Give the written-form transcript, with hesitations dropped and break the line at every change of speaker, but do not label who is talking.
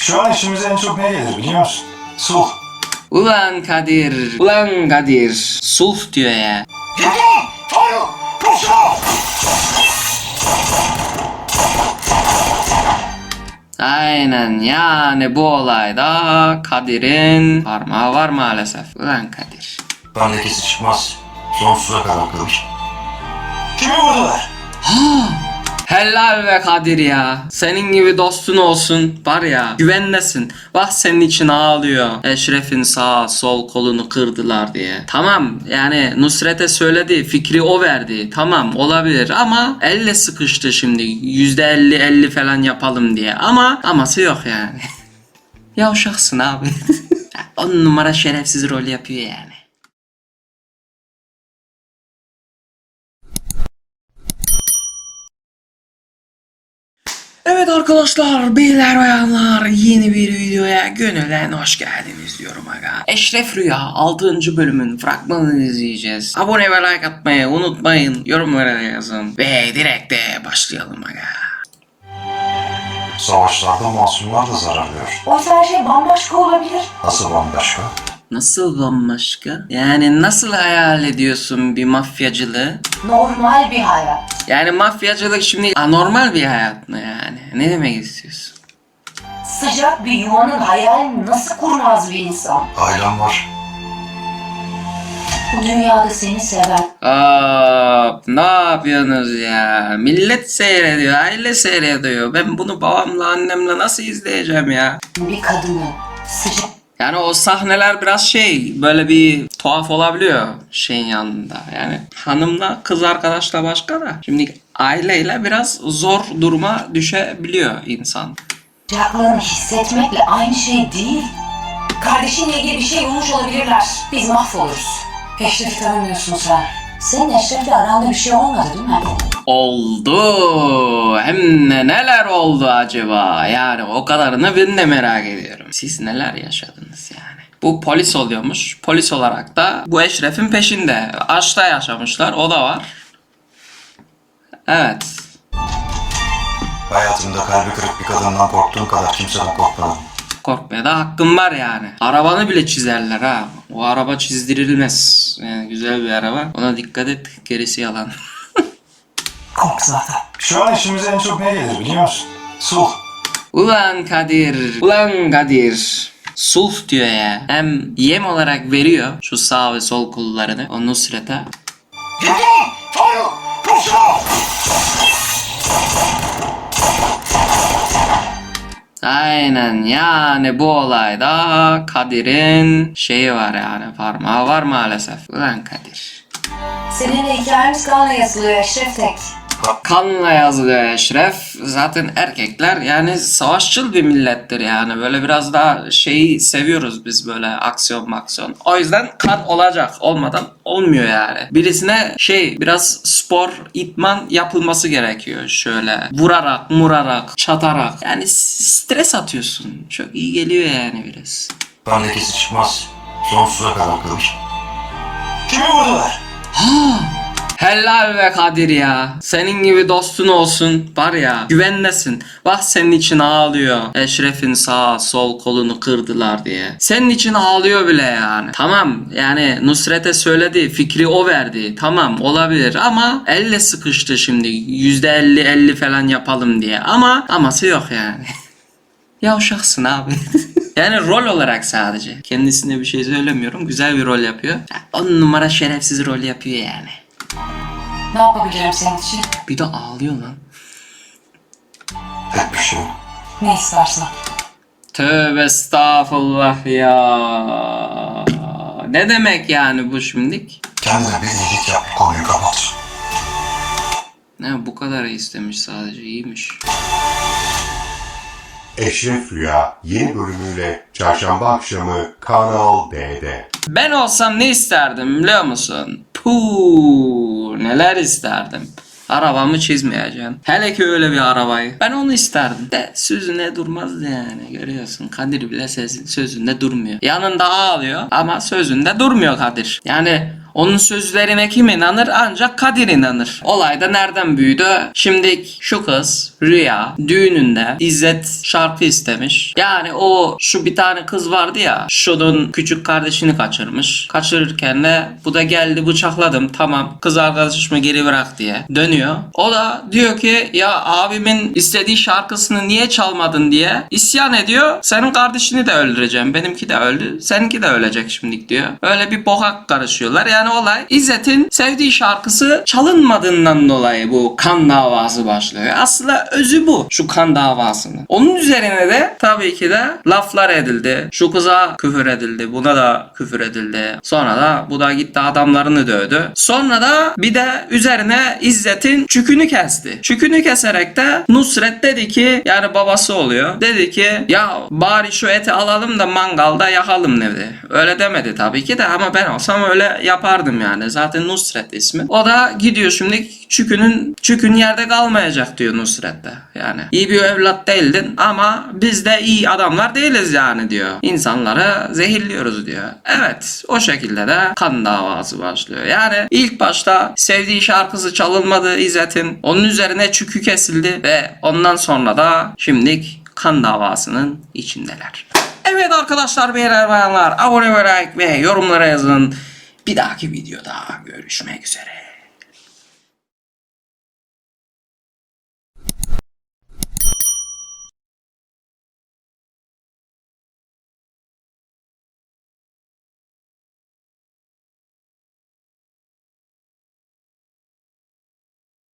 Şu an işimize en çok ne gelir biliyor musun? Sulh.
Ulan Kadir, ulan Kadir. Sulh diyor ya. Aynen, yani bu olayda Kadir'in parmağı var maalesef. Ulan Kadir.
Bendekisi çıkmaz. Sonsuza kadar kalır. Kimi vurdular?
Helal be Kadir ya. Senin gibi dostun olsun. Var ya, güvendesin. Bak senin için ağlıyor. Eşref'in sağ sol kolunu kırdılar diye. Tamam, yani Nusret'e söyledi. Fikri o verdi. Tamam, olabilir ama elle sıkıştı şimdi. %50 falan yapalım diye. Ama aması yok yani. Yavşaksın abi. 10 numara şerefsiz rol yapıyor yani. Evet arkadaşlar, beyler bayanlar, yeni bir videoya gönülden hoş geldiniz diyorum aga. Eşref Rüya 6. bölümün fragmanını izleyeceğiz. Abone ve like atmayı unutmayın, yorumlara yazın ve direkt de başlayalım aga.
Savaşlarda masumlar da zarar görür.
Oysa her şey bambaşka olabilir.
Nasıl bambaşka?
Nasıl bambaşka? Yani nasıl hayal ediyorsun bir mafyacılığı?
Normal bir hayat.
Yani mafyacılık şimdi anormal bir hayat mı yani? Ne demek istiyorsun?
Sıcak bir yuvanın hayalini nasıl kurmaz bir insan?
Ailem var.
Bu dünyada seni seven,
Ne yapıyorsunuz ya? Millet seyrediyor, aile seyrediyor. Ben bunu babamla annemle nasıl izleyeceğim ya?
bir kadının sıcak
Yani o sahneler biraz böyle bir tuhaf olabiliyor şeyin yanında. Yani hanımla kız arkadaşla başka da. Şimdi aileyle biraz zor duruma düşebiliyor insan.
sıcaklığını hissetmekle aynı şey değil. Kardeşinle ilgili bir şey olmuş olabilirler. Biz mahvoluruz. Eşref'i tanımıyorsun sen. Senin Eşref'le aranda bir şey olmadı değil mi?
Oldu. Hem de neler oldu acaba? Yani o kadarını ben de merak ediyorum. Siz neler yaşadınız yani? Bu polis oluyormuş. Polis olarak da bu Eşref'in peşinde. Aşkta yaşamışlar. O da var. Evet.
Hayatımda kalbi kırık bir kadından korktuğum kadar kimseden korkmadım.
Korkmaya da hakkım var yani. Arabanı bile çizerler ha. O araba çizdirilmez. Yani güzel bir araba. Ona dikkat et. Gerisi yalan.
Kork zaten.
Şu an işimize en çok ne gelir biliyor musun? Sulh.
Ulan Kadir. Ulan Kadir. Sulh diyor ya. Hem yem olarak veriyor şu sağ ve sol kollarını o Nusret'e. Aynen, yani bu olayda Kadir'in var yani, parmağı var maalesef. Ulan Kadir.
Seninle hikayemiz kanla yazılıyor Eşref tek.
Kanla yazılıyor Eşref. Zaten erkekler yani savaşçıl bir millettir yani. Böyle biraz daha seviyoruz biz, böyle aksiyon maksiyon. O yüzden kan olacak. Olmadan olmuyor yani. Birisine biraz spor, idman yapılması gerekiyor. Şöyle vurarak, murarak, çatarak. Yani stres atıyorsun. Çok iyi geliyor yani biraz.
Bendekisi çıkmaz. Sonsuza kadar kalır. Kimi vurdular?
Helal be Kadir ya. Senin gibi dostun olsun. Var ya, güvendesin. Bak senin için ağlıyor. Eşref'in sağ sol kolunu kırdılar diye. Senin için ağlıyor bile yani. Tamam, yani Nusret'e söyledi. Fikri o verdi. Tamam, olabilir ama elle sıkıştı şimdi. %50 falan yapalım diye. Ama aması yok yani. Yavşaksın abi. Yani rol olarak sadece. Kendisine bir şey söylemiyorum. Güzel bir rol yapıyor. 10 numara şerefsiz rol yapıyor yani.
Ne yapabilirim senin için?
Bir de ağlıyor lan.
Tek bir şey.
Ne istersen.
Tövbe estağfurullah ya. Ne demek yani bu şimdilik?
Kendine bir iyilik yap. Konuyu kapat.
Ne, bu kadar istemiş sadece, iyiymiş.
Eşref Rüya yeni bölümüyle çarşamba akşamı Kanal D'de.
Ben olsam ne isterdim biliyor musun? Puuu, neler isterdim. Arabamı çizmeyeceğim. Hele ki öyle bir arabayı. Ben onu isterdim. De sözüne durmazdı yani, görüyorsun. Kadir bile sözünde durmuyor. Yanında ağlıyor ama sözünde durmuyor Kadir. Yani Onun sözlerine kim inanır? Ancak Kadir inanır. Olay da nereden büyüdü? Şimdi şu kız Rüya düğününde İzzet şarkı istemiş. Yani o şu bir tane kız vardı ya, şunun küçük kardeşini kaçırmış. Kaçırırken de bu da geldi bıçakladım, tamam kız arkadaşımı geri bırak diye dönüyor. O da diyor ki ya abimin istediği şarkısını niye çalmadın diye isyan ediyor. Senin kardeşini de öldüreceğim. Benimki de öldü. Seninki de ölecek şimdilik diyor. Öyle bir bokak karışıyorlar. Yani olay İzzet'in sevdiği şarkısı çalınmadığından dolayı bu kan davası başlıyor. Aslında özü bu. Şu kan davasının. Onun üzerine de tabii ki de laflar edildi. Şu kıza küfür edildi. Buna da küfür edildi. Sonra da bu da gitti adamlarını dövdü. Sonra da bir de üzerine İzzet'in çükünü kesti. Çükünü keserek de Nusret dedi ki, yani babası oluyor, dedi ki ya bari şu eti alalım da mangalda yakalım dedi. Öyle demedi tabii ki de ama ben olsam öyle yapardım yani. Zaten Nusret ismi. O da gidiyor şimdi çükün yerde kalmayacak diyor Nusret de. Yani iyi bir evlat değildin ama biz de iyi adamlar değiliz yani diyor. İnsanları zehirliyoruz diyor. Evet, o şekilde de kan davası başlıyor. Yani ilk başta sevdiği şarkısı çalınmadı İzzet'in. Onun üzerine çükü kesildi ve ondan sonra da şimdilik kan davasının içindeler. Evet arkadaşlar, beyler bayanlar, abone ve like ve yorumlara yazın. Bir dahaki videoda görüşmek üzere.